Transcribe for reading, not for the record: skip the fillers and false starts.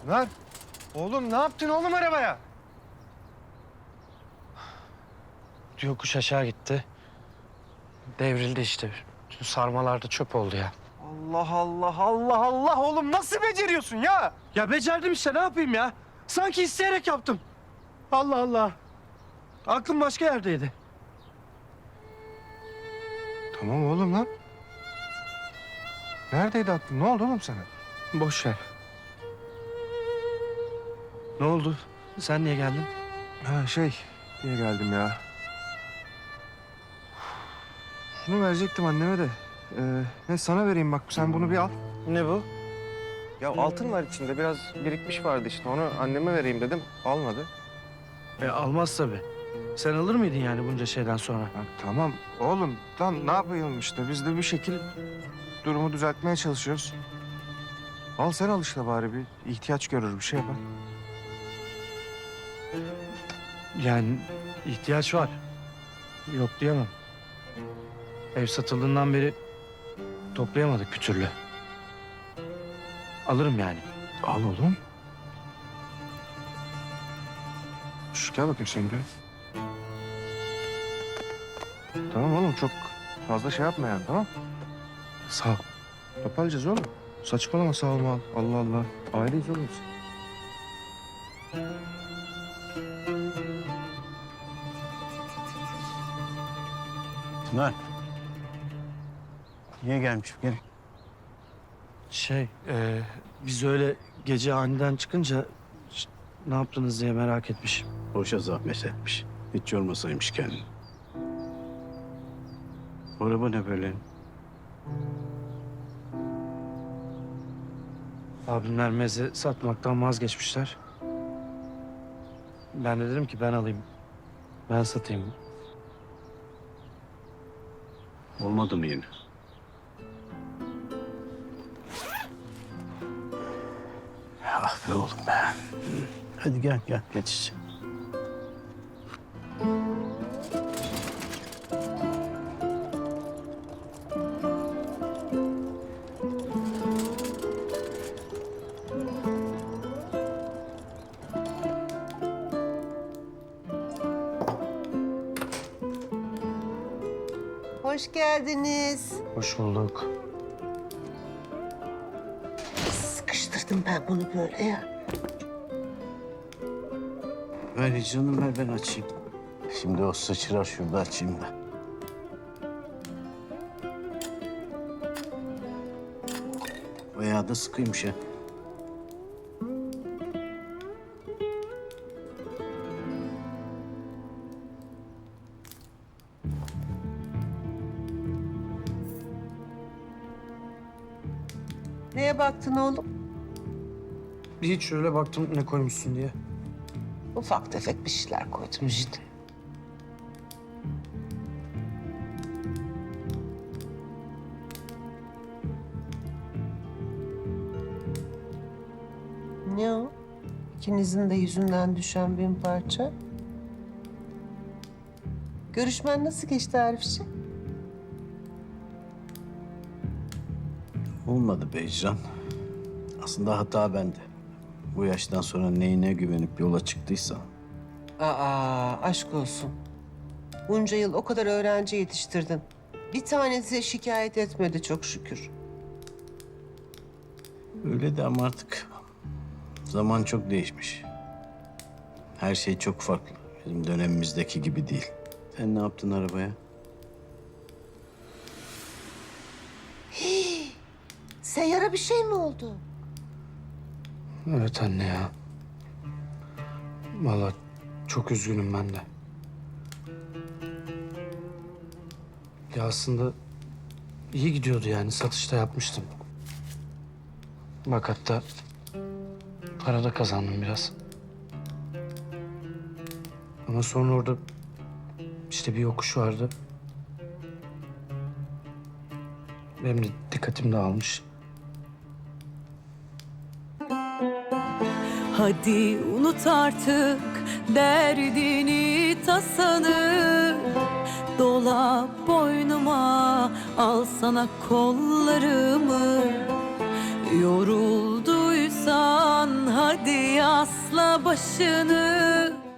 Lan oğlum ne yaptın oğlum arabaya? Yokuş aşağı gitti. Devrildi işte. Bütün sarmalar da çöp oldu ya. Allah Allah Allah Allah oğlum nasıl beceriyorsun ya? Ya becerdim işte, ne yapayım ya? Sanki isteyerek yaptım. Allah Allah. Aklım başka yerdeydi. Tamam oğlum lan. Neredeydi aklın? Ne oldu oğlum sana? Boş ver. Ne oldu? Sen niye geldin? Ha diye geldim ya. Şunu verecektim anneme de. Ne sana vereyim bak sen bunu bir al. Ne bu? Ya altın var içinde biraz birikmiş vardı işte onu anneme vereyim dedim. Almadı. Almaz tabii. Sen alır mıydın yani bunca şeyden sonra? Ya, tamam oğlum lan ne yapayım işte biz de bir şekil durumu düzeltmeye çalışıyoruz. Al sen al işte bari bir ihtiyaç görür bir şey yapar. Yani ihtiyaç var. Yok diyemem. Ev satıldığından beri toplayamadık bir türlü. Alırım yani. Al oğlum. Şu gel bakayım sen buraya. Tamam oğlum çok fazla şey yapma yani tamam. Sağ ol. Toparlayacağız oğlum. Saçmalama sağ olma. Allah Allah. Aileyiz oğlum biz. Tuna. Niye gelmiş gene? Biz öyle gece aniden çıkınca ne yaptınız diye merak etmiş. Boşa zahmet etmiş. Hiç yormasaymış kendini. Bu araba ne böyle? Abimler meze satmaktan vazgeçmişler. Ben de dedim ki ben alayım. Ben satayım. Olmadı mı yine? Ah be oğlum be. Hadi gel geç içeri. Hoş geldiniz. Hoş bulduk. Sıkıştırdım ben bunu böyle ya. Ver canım ver ben açayım. Şimdi o sıçrar şurada açayım da. Bayağı da sıkıymış ha. Neye baktın oğlum? Hiç şöyle baktım ne koymuşsun diye. Ufak tefek bir şeyler koydum işte. Ne o? İkinizin de yüzünden düşen bin parça. Görüşmen nasıl geçti Arifciğim? Olmadı Beycan. Aslında hata bende. Bu yaştan sonra neyine güvenip yola çıktıysa. Aa, aşk olsun. Bunca yıl o kadar öğrenci yetiştirdin. Bir tanesi şikayet etmedi çok şükür. Öyle de ama artık zaman çok değişmiş. Her şey çok farklı. Bizim dönemimizdeki gibi değil. Sen ne yaptın arabaya? Seyyara bir şey mi oldu? Evet anne ya. Vallahi çok üzgünüm ben de. Ya aslında iyi gidiyordu yani satışta yapmıştım. Bak hatta para da kazandım biraz. Ama sonra orada işte bir yokuş vardı. Benim de dikkatim dağılmış. Hadi unut artık derdini tasanı. Dola boynuma, al sana kollarımı. Yorulduysan hadi yasla başını,